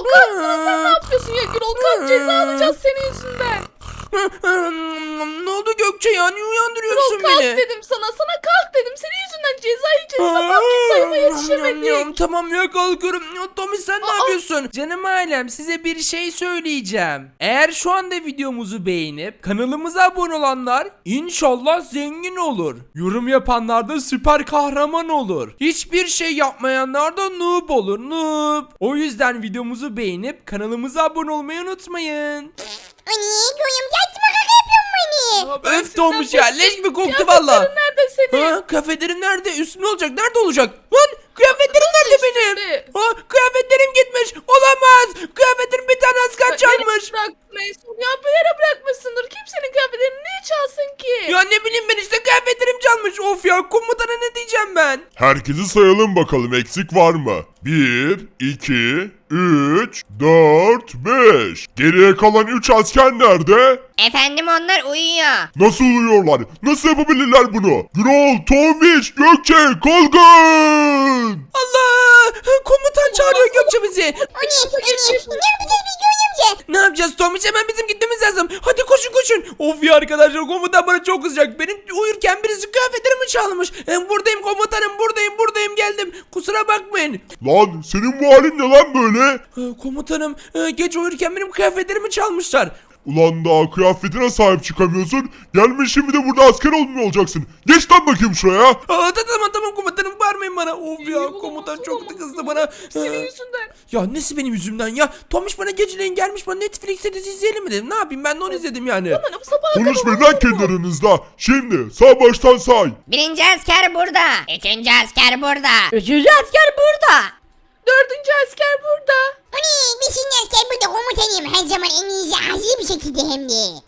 Gürol kalksana, sen ne yapıyorsun ya Gürol? Kalk, ceza alacağız senin yüzünden. Ne oldu Gökçe ya? Niye uyandırıyorsun Gürol kalk beni? dedim sana kalk dedim. Senin yüzünden ceza yiyeceğiz. Sabahki sayıma yetişemedik. Tamam ya, kalkıyorum. Ya, Tommy sen ne yapıyorsun? Canım ailem, size bir şey söyleyeceğim. Eğer şu anda videomuzu beğenip kanalımıza abone olanlar inşallah zengin olur. Yorum yapanlar da süper kahraman olur. Hiçbir şey yapmayanlar da noob olur, noob. O yüzden videomuzu beğenip kanalımıza abone olmayı unutmayın. Anne Göğüm saçma kaka yapıyorsun beni. Aa, ben Öf Tomuş ya, senden leş gibi koktu Kıyafetlerin valla. nerede senin? Ha, kıyafetlerim nerede? Üstüne olacak. Nerede olacak? Lan kıyafetlerim nerede benim? üstünde? Ha, kıyafetlerim gitmiş. Olamaz. Kıyafetlerim bir tane asker çalmış. Bırakmışsın ya, bir yere bırakmışsındır. Kimsenin kıyafetlerini niye çalsın ki? Ya ne bileyim ben, işte kıyafetlerim çalmış. Of ya, komutana ne diyeceğim ben? Herkesi sayalım bakalım, eksik var mı? 1, 2, 3, 4, 5. Geriye kalan 3 asker nerede? Efendim onlar uyuyor. Nasıl uyuyorlar? Nasıl yapabilirler bunu? Gürol, Tombiş, Gökçe, kalkın! Allah! Komutan çağırıyor Gökçe bizi. Anne ne yapacağız biz Göğüm amca? Ne yapacağız Tomuş? Hemen bizim gitmemiz lazım. Hadi koşun koşun. Of ya arkadaşlar, komutan bana çok kızacak. Benim uyurken birisi kıyafetlerimi çalmış. Buradayım komutanım, buradayım geldim. Kusura bakmayın. Lan senin bu halin ne lan böyle? Komutanım, gece uyurken benim kıyafetlerimi çalmışlar. Ulan daha kıyafetine sahip çıkamıyorsun. Gelmiş şimdi de burada asker olmuyor olacaksın. Geç lan bakayım şuraya. Tamam komutanım, bağırmayın bana. Of ya, Olamaz, komutan çok olamaz, kızdı olamaz. bana. Senin yüzünden. Ya nesi benim yüzümden ya? Tomiş bana geceleyin gelmiş, bana Netflix'te dizi izleyelim mi dedim. Ne yapayım, ben de onu izledim yani. Bana bu sabaha kadar Konuşmayın olur lan mu? kendi aranızda. Şimdi sağ baştan say. Birinci asker burada. İkinci asker burada. Üçüncü asker burada. Dördüncü asker burada. Anne beşinci asker burada komutanım. Her zaman en iyisi hazır bir şekilde hem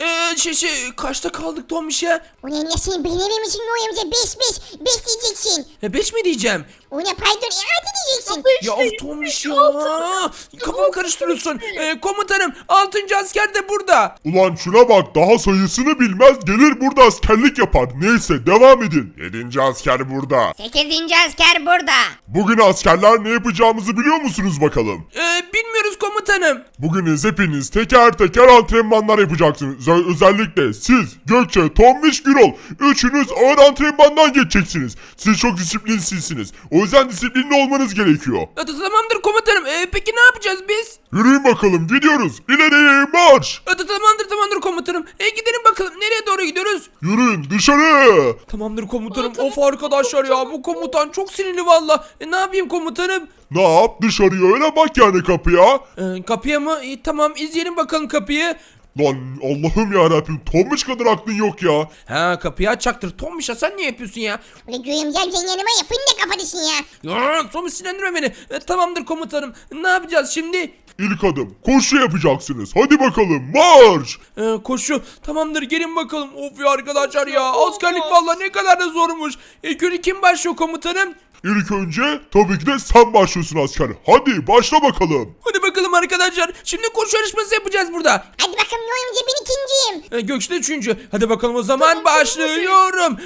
de. Kaçta kaldık Tomiş ya? Ulan ya sen beğenir misin Göğüm amca? 5 diyeceksin. 5 mi diyeceğim? Ona pardon 6 diyeceksin. Beş Ya değil, of Tomiş ya. altı. Kafamı karıştırıyorsun. Komutanım, 6. asker de burada. Ulan şuna bak, daha sayısını bilmez, gelir burada askerlik yapar. Neyse devam edin. 7. asker burada. Sekizinci asker burada. Bugün askerler ne yapacağımızı biliyor musunuz bakalım? Bilmiyoruz komutanım. Bugün hepiniz teker teker antrenmanlar yapacaksınız. Özellikle siz, Gökçe, Tombiş, Gürol. Üçünüz ağır antrenmandan geçeceksiniz. Siz çok disiplinsizsiniz. O yüzden disiplinli olmanız gerekiyor. Tamamdır komutanım. Peki ne yapacağız biz? Yürüyün bakalım, gidiyoruz. İleri marş. Tamamdır komutanım. Gidelim bakalım. Nereye doğru gidiyoruz? Yürüyün dışarı. Tamamdır komutanım. Tamam, Of arkadaşlar ya, bu komutan çok sinirli valla. Ne yapayım komutanım? Ne yap, dışarıya öyle bak yani kapıya. Kapıya mı? Tamam, izleyelim bakalım kapıyı. Lan Allah'ım yarabbim, Tombiş kadar aklın yok ya. Ha, kapıyı açacaktır. Tombiş, sen niye yapıyorsun ya? Ulan Göğüm amca sen yanıma ya fındık kafalısın ya. Ya Tombiş, sinirlendirme beni. Tamamdır komutanım. Ne yapacağız şimdi? İlk adım koşu yapacaksınız. Hadi bakalım marş. Koşu. Tamamdır, gelin bakalım. Of ya arkadaşlar ya. Askerlik valla ne kadar da zormuş. İlk önce kim başlıyor komutanım? İlk önce tabii ki de sen başlıyorsun asker. Hadi başla bakalım. Hadi bakalım arkadaşlar. Şimdi koşu yarışması yapacağız burada. Hadi bakalım Göğüm amca ben ikinciyim. Gökçe de üçüncü. Hadi bakalım o zaman başlıyorum.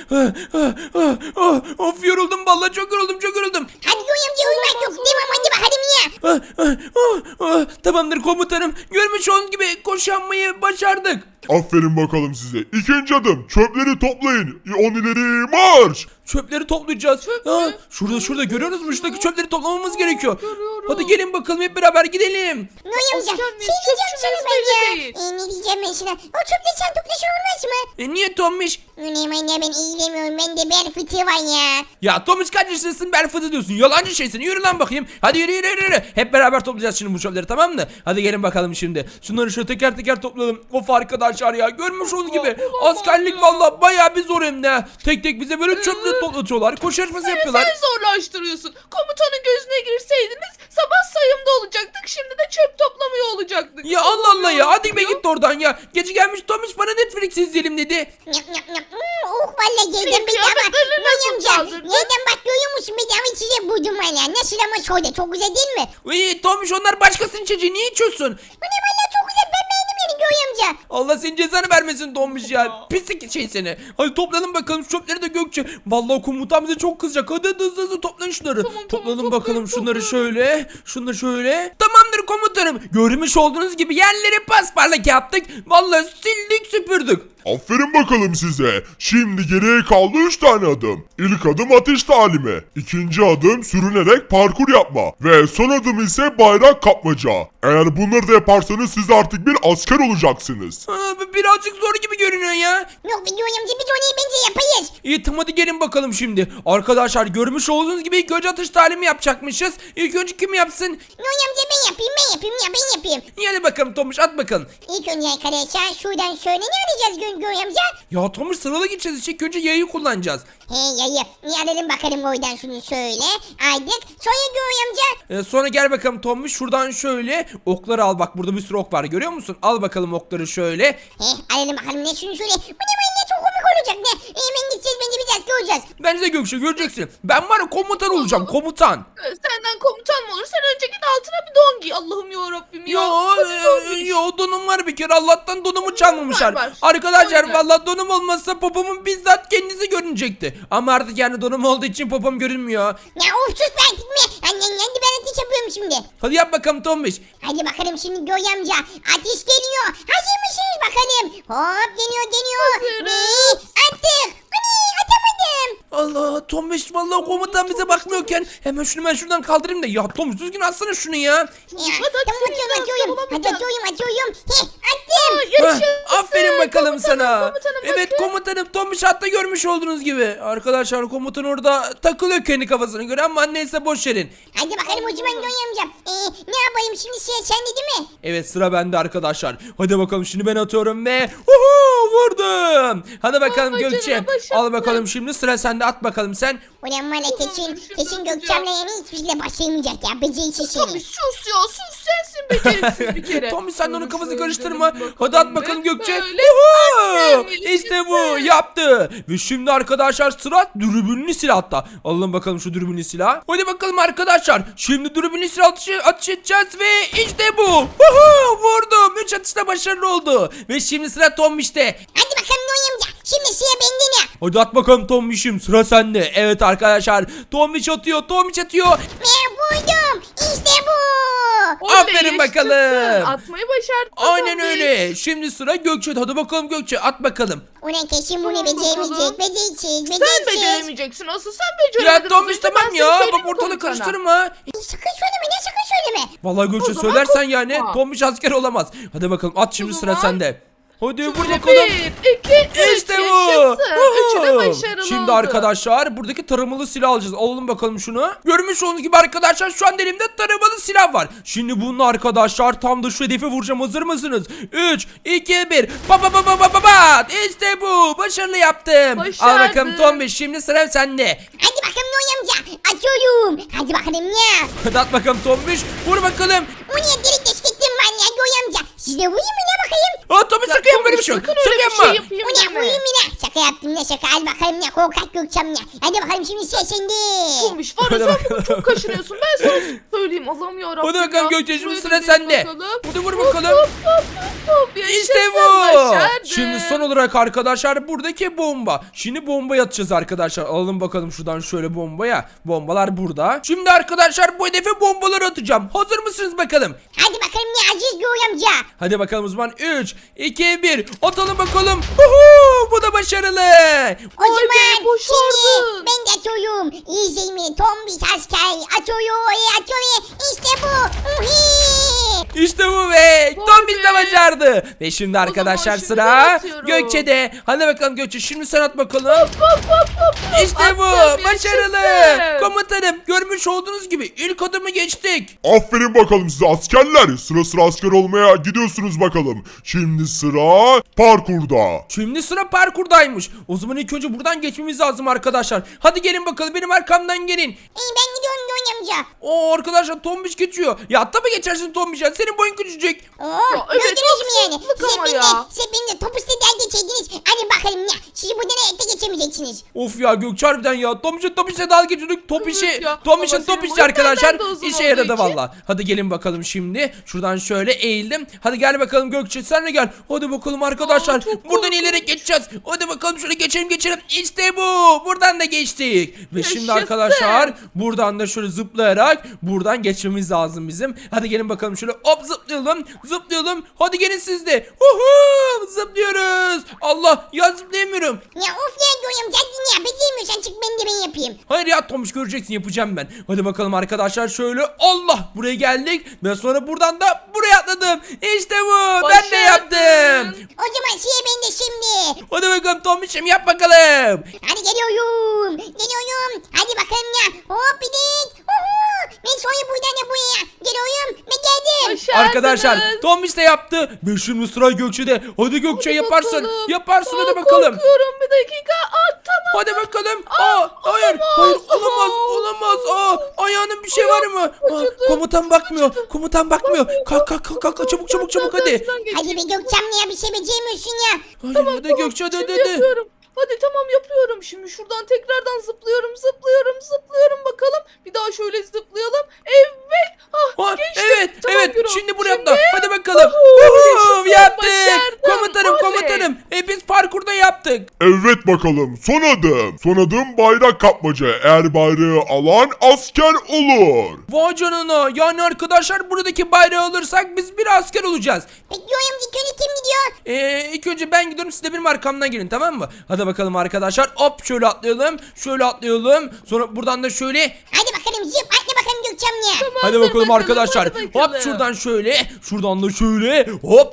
Of, yoruldum vallahi, çok yoruldum. Hadi Göğüm amca uyumak yok. Devam hadi bakalım ya. Tamamdır komutanım. Görmüş olduğunuz gibi koşu yapmayı başardık. Aferin bakalım size. İkinci adım çöpleri toplayın. 10 ileri marş. Çöpleri toplayacağız. Şurada görüyoruz mu? Şuradaki çöpleri toplamamız gerekiyor. Görüyorum. Hadi gelin bakalım, hep beraber gidelim. Göğüm amca Asker şey miyiz? diyeceğim sana Çöpçüyüz ben ya. belli değil. Ne diyeceğim ben sana? O çöpleri sen toplaşı olmaz mı? Niye Tommiş? Ulan anne ben iyilemiyorum. Bende bel fıtığı var ya. Ya Tommiş, kaç yaşındasın, bel fıtı diyorsun. Yalancı şeysin. Yürü lan bakayım. Hadi yürü. Hep beraber toplayacağız şimdi bu çöpleri, tamam mı? Hadi gelin bakalım şimdi. Şunları şöyle teker teker toplayalım. Of arkadaşlar ya, görmüş olduğunuz gibi. Askerlik valla bayağı bir zor hem de. Tek tek bize böyle çöpleri toplatıyorlar. Koşu yarışması yapıyorlar. Sen zorlaştırıyorsun. Komutanın gözüne girseydiniz sabah sayımda olacaktık. Şimdi de çöp toplamıyor olacaktık. Ya Allah ya, hadi be git oradan ya. Gece gelmiş Tommiş, bana Netflix izleyelim dedi. Yap. Oh valla yerden bedava. kıyafetlerini Göğüm nasıl amca çaldırdın? yerden bak görüyor musun bedava içecek buldum valla. Nasıl ama şöyle çok güzel değil mi? Tommiş, onlar başkasının çocuğu, niye içiyorsun? Bu ne valla çok güzel ben beğendim yani Göğüm amca. Allah senin cezanı vermesin Tombiş ya. Pislik şey seni. Hadi toplanın bakalım şu çöpleri de Gökçe. Vallahi komutan bize çok kızacak. Hadi hızlı toplayın şunları. Tamam, Toplanın toplayın, bakalım şunları toplayın. şöyle. Şunları şöyle. Tamamdır komutanım. Görmüş olduğunuz gibi yerleri pasparlak yaptık. Vallahi sildik süpürdük. Aferin bakalım size. Şimdi geriye kaldı 3 tane adım. İlk adım ateş talimi. İkinci adım sürünerek parkur yapma. Ve son adım ise bayrak kapmaca. Eğer bunları da yaparsanız siz artık bir asker olacaksınız. Birazcık zor gibi görünüyor ya. Yok be Göğe amca biz onu bence yapayız. İyi tamam hadi gelin bakalım şimdi. Arkadaşlar görmüş olduğunuz gibi ilk önce atış talimi yapacakmışız. İlk önce kim yapsın? Göğe amca ben yapayım ben yapayım. İyi hadi bakalım Tomuş at bakalım. İlk önce arkadaşlar şuradan şöyle ne arayacağız Göğe amca? Ya Tomuş sıralı gideceğiz işte. İlk önce yayı kullanacağız. He yayı. Alalım bakalım oradan şunu şöyle. Aydık. Sonra Göğe amca. Sonra gel bakalım Tomuş şuradan şöyle okları al, bak burada bir sürü ok var görüyor musun? Al bakalım okları şöyle. He alalım bakalım ne şunu şöyle. Bu ne çok komik olacak ne? Hemen gideceğiz bence biz asker olacağız. Bence de Gökçe göreceksin. Ben var ya komutan olacağım, komutan. Senden komutan mı olur? Sen önce git altına bir don giy. Allah'ım yarabbim ya. Yo donum var bir kere, Allah'tan donumu çalmamışlar. Var. Arkadaşlar Öyle. vallahi donum olmazsa popomun bizzat kendisi görünecekti. Ama artık yani donum olduğu için popom görünmüyor. Ya of sus be artık mi? Annen yendi ben ateş yapıyorum şimdi. Hadi yap bakalım Tombiş. Hadi bakalım şimdi Göğe amca. Ateş geliyor. Hazır mısınız bakalım? Hop geliyor. Hazırız. Ve attık. Ani atamadım. Allah Tombiş vallahi komutan bize bakmıyorken hemen şunu ben şuradan kaldırayım da ya Tombiş düzgün atsana şunu ya. Ya, Hadi tamam atıyorum, atıyorum. Hadi olamayacak. atıyorum. He attım. Yaşasın. Heh, aferin bakalım sana. Komutanım, Evet bakın. komutanım Tombiş hatta görmüş olduğunuz gibi. Arkadaşlar komutan orada takılıyor kendi kafasına göre ama neyse boş verin. Hadi bakalım o zaman Göğe amca. Ne yapayım şimdi sen de değil mi? Evet sıra bende arkadaşlar. Hadi bakalım şimdi ben atıyorum ve vurdum. Hadi bakalım Vay Gökçe. canına, başardın. Al bakalım şimdi sıra sende, at bakalım sen. Ulan valla kesin Gökçem'le yani hiçbir şeyle başlayamayacak ya. Beceriksiz Tommy seni. sus ya sus, sensin beceriksiz bir kere. Tommy sen de onun Şöyle kafasını şöyle karıştırma. bakalım Hadi at bakalım ve Gökçe. böyle Uhu! aferin, İşte bu yaşasın. yaptı. Ve şimdi arkadaşlar sıra dürbünlü silahta. Alalım bakalım şu dürbünlü silah. Hadi bakalım arkadaşlar. Şimdi dürbünlü silah atış edeceğiz ve işte bu. Uhu! Vurdum. 3 atışta başarılı oldu. Ve şimdi sıra Tombiş'te. Hadi bakalım Göğe amca. Şimdi sıra bende ne? Hadi at bakalım Tombiş'im, sıra sende. Evet arkadaşlar Tombiş atıyor. Ben buldum. İşte bu. Oley, Aferin yaşasın. bakalım. Atmayı başardın. Aynen Tommy. öyle. Şimdi sıra Gökçe. Hadi bakalım Gökçe at bakalım. Ulan kesin bunu Tamam beceremeyecek. bakalım. Beceriksiz. Sen beceremeyeceksin. Asıl sen beceremedin. Ya Tombiş Az önce tamam ben ya. seni Bak söyleyeyim ortalığı komutana. karıştırma. Sakın söyleme ne sakın söyleme. Vallahi Gökçe O zaman söylersen yani korkma. Tombiş asker olamaz. Hadi bakalım at şimdi O sıra zaman sende. Hadi vur Şöyle bakalım. 1, 2, 3. İşte bu. Yaşasın. Üçü de Uhu. başarılı Şimdi oldu. arkadaşlar buradaki taramalı silah alacağız. Alalım bakalım şunu. Görmüş olduğunuz gibi arkadaşlar şu an elimde taramalı silah var. Şimdi bununla arkadaşlar tam da şu hedefe vuracağım. Hazır mısınız? 3, 2, 1. Ba. İşte bu. Başarılı yaptım. Al Başardın. bakalım Tombiş. Şimdi sıra sende. Hadi bakalım Göğe amca. Atıyorum. Hadi bakalım ya. Hadi at bakalım Tombiş. Vur bakalım. Bu niye delik deşik ettin ben ya Göğe amca. Siz de vurayım mı ne bakayım? Aa Tombiş Ya sakın yapma böyle bir Tombiş, şey yok. sakın öyle bir Sakın şey yapma. yapayım Bu ne deme. vurayım mı ne? Şaka yaptım ne şaka. Hadi bakalım ne korkak Gökçem ya. Hadi bakalım şimdi sıra sende. Tombiş var ya Hadi sen bakalım. bugün çok kaşınıyorsun. Ben sana söyleyeyim. Allah'ım yarabbim. Hadi bakalım ya. Gökçe, şimdi Şuraya sıra gidelim sende. bakalım. Hadi vur bakalım. Hop, İşte yaşasın, bu. başardın. Şimdi son olarak arkadaşlar buradaki bomba. Şimdi bombayı atacağız arkadaşlar. Alalım bakalım şuradan şöyle bombaya. Bombalar burada. Şimdi arkadaşlar bu hedefe bombaları atacağım. Hazır mısınız bakalım? Hadi bakalım ne Aziz Göğe amca. Hadi bakalım o zaman 3, 2, 1. Atalım bakalım. Uhu, bu da başarılı. O Vay zaman be, başardın. şimdi ben de atıyorum. İzleyin beni Tombiş asker. Atıyor. İşte bu. Uhi. İşte bu be. Vay Tombiş de be. başardı. Ve şimdi arkadaşlar şimdi sıra ben atıyorum. Gökçe'de. Hadi bakalım Gökçe şimdi sen at bakalım. İşte bu. Attım, Başarılı. yaşasın. Komutanım görmüş olduğunuz gibi ilk adımı geçtik. Aferin bakalım size askerler. Sıra asker olmaya gidiyorsunuz bakalım. Şimdi sıra parkurda. Şimdi sıra parkurdaymış. O zaman ilk önce buradan geçmemiz lazım arkadaşlar. Hadi gelin bakalım benim arkamdan gelin. Ben gidiyorum Göğe amca. Oo arkadaşlar Tombiş geçiyor. Ya hatta mı geçersin Tombiş ya? Senin boyun küçücük. Oo evet, Gördünüz mü yani? haksızlık ama ya. Siz benimle top üstünden geçerdiniz. Hadi bakalım ya. Sizi buradan hayatta geçemeyeceksiniz. Of ya Gökçe harbiden ya. Tomiş'e dalga geçiyorduk. Top Evet işi. ya. Tomiş'in Ama top senin işi boyun arkadaşlar. benden de uzun İşe olduğu yaradı için. valla. Hadi gelin bakalım şimdi. Şuradan şöyle eğildim. Hadi gel bakalım Gökçe sen de gel. Hadi bakalım arkadaşlar. çok Buradan korkunç. ileri geçeceğiz. Hadi bakalım şöyle geçelim. İşte bu. Buradan da geçtik. Ve şimdi Yaşasın. arkadaşlar buradan da şöyle zıplayarak buradan geçmemiz lazım bizim. Hadi gelin bakalım şöyle hop zıplayalım. Hadi gelin siz de. Zıplıyoruz. Allah ya zıplayamıyorum. Ya of ya Göğüm zaten ya. Beceremiyorsan çık ben yapayım. Hayır ya Tomuş göreceksin yapacağım ben. Hadi bakalım arkadaşlar şöyle Allah buraya geldik ve sonra buradan da buraya atladım. İşte bu ben de Başardın. yaptım. O zaman şey ben de şimdi. Hadi bakalım Tomuş'um yap bakalım. Hadi geliyorum. Hadi bakalım ya. Hop bidik. Ben sonra buradan da buraya. Geliyorum. Ben geldim. Başardınız. Arkadaşlar Tomuş da yaptı ve şimdi sıra Gökçe'de. Hadi Gökçe yaparsın. Bakalım. Yaparsın hadi Aa, bakalım. Korkuyorum bir dakika. Tamam. Hadi bakalım. Hayır olamaz. Ayağının bir şey var mı? acıdı, Komutan bakmıyor. Kalk çabuk hadi. Hadi be Gökçem ya bir şey beceremiyorsun ya. Hadi Gökçe hadi. Şimdi yapıyorum. Hadi tamam yapıyorum. Şimdi şuradan tekrardan zıplıyorum bakalım. Bir daha şöyle zıplayalım. Evet. Geçtim. Evet Tamam, Gürol. şimdi buraya atla. Hadi bakalım. Yaşasın, Yaptık. başardım. Komutanım. Biz parkurda yaptık. Evet bakalım son adım. Son adım bayrak kapmaca. Eğer bayrağı alan asker olur. Vay canına. Yani arkadaşlar buradaki bayrağı alırsak biz bir asker olacağız. Peki Göğüm ilk kim gidiyor? İlk önce ben gidiyorum siz de benim arkamdan gelin tamam mı? Hadi bakalım arkadaşlar. Hop şöyle atlayalım. Sonra buradan da şöyle. Hadi bakalım zıp atla bakalım Gökçem ya. Hadi bakalım arkadaşlar. hadi bakalım. Hop şuradan şöyle. Şuradan da şöyle. Hop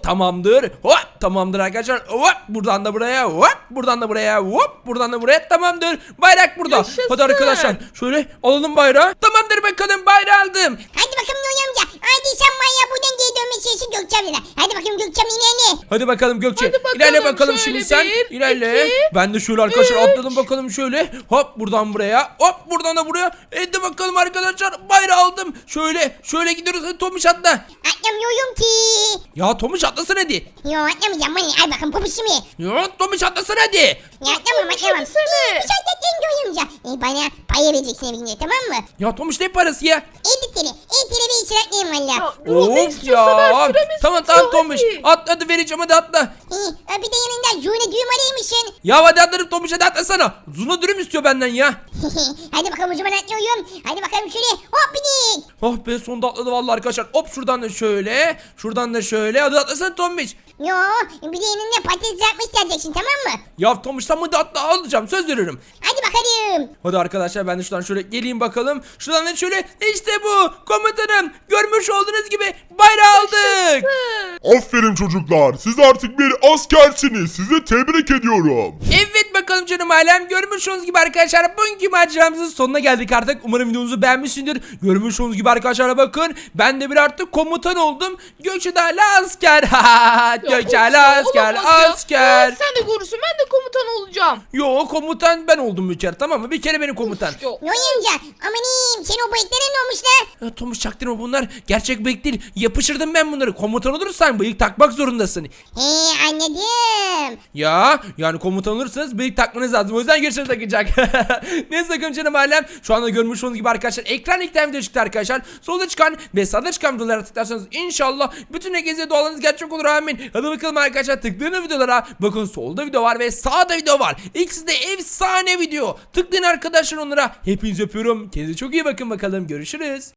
tamamdır arkadaşlar. Hop buradan da buraya. Hop buradan da buraya. Hop buradan da buraya. Tamamdır. Bayrak burada. Yaşasın. Hadi arkadaşlar. Şöyle alalım bayrağı. Tamamdır bakalım bayrağı aldım. Hadi bakalım Göğüm amca. Hadi sen manyağı buradan geri dönmesi için Gökçem'le. Hadi bakalım Gökçem ilerle. Hadi bakalım Gökçe. Hadi bakalım, İlerle bakalım şöyle şimdi sen. bir, İlerle. iki, Ben de şöyle arkadaşlar atladım bakalım şöyle. Hop buradan buraya. Hop buradan da buraya. Hadi bakalım arkadaşlar. Bayrağı aldım. Şöyle gidiyoruz. Hadi Tomuş atla. Atlamıyorum ki. Ya Tomuş atlasana hadi. Yo atlamayacağım bana. Al bakalım popişimi. Ya Tomuş atlasana hadi. Ya atlamam. Düşünsene. Bir şey dedin Göğüm amca. Bana paya vereceksin evine tamam mı? Ya Tomuş ne parası ya? 50 TL. 50 TL bir işler atlayayım valla. Ya, Gürol, ne Of istiyorsa ver, ya. süremiz Tamam şey bitiyor, Tomuş. hadi. Hadi vereceğim hadi atla. Bir de yanında June düğüm araymışsın. Ya hadi atlarım Tomuş hadi atlasana. Zuna dürüm istiyor benden ya. Hadi bakalım o zaman atlıyorum. Hadi bakalım şöyle. Hop bidik. Oh be sonunda atladı vallahi arkadaşlar. Hop şuradan da şöyle. Şuradan da şöyle. Hadi atlasana Tomuş. Yo bir de yanında patates yapmış geleceksin tamam mı? Ya Tomuş tam hadi atla alacağım söz veriyorum. Hadi bakalım. Hadi arkadaşlar ben de şuradan şöyle geleyim bakalım. Şuradan da şöyle işte bu komutanım. Görmüş olduğunuz gibi bayrağı aldık. Aferin çocuklar. Siz artık bir askersiniz. Sizi tebrik ediyorum. Evet bakalım canım ailem. Görmüş olduğunuz gibi arkadaşlar bugünkü maceramızın sonuna geldik artık. Umarım videomuzu beğenmişsindir. Görmüş olduğunuz gibi arkadaşlar bakın. Ben de bir artık komutan oldum. Gökçe de hala asker. Gökçe hala asker. Olamaz ya. Asker. Sen de görürsün ben de komutan olacağım. Yo komutan ben oldum bir kere tamam mı? Bir kere benim komutan. Yok. Yo amca amanim senin o bıyıkların ne olmuş lan? Ya Tomuş çaktırma bunlar gerçek bıyık değil. Yapıştırdım ben bunları. Komutan olursan bıyık takmak zorundasın. Anladım. Ya yani komutan olursanız bıyık takmanız lazım. O yüzden görüşürüz takacak. Neyse sakın canım ailem. Şu anda görmüş olduğunuz gibi arkadaşlar ekran ilk video çıktı arkadaşlar. Solda çıkan ve sağda çıkan videolara tıklarsanız inşallah bütün herkese dualarınız gerçek olur amin. Hadi bakalım arkadaşlar tıklayın videolara. Bakın solda video var ve sağda video var. İkisi de efsane video. Tıklayın arkadaşlar onlara. Hepinizi öpüyorum. Kendinize çok iyi bakın bakalım. Görüşürüz.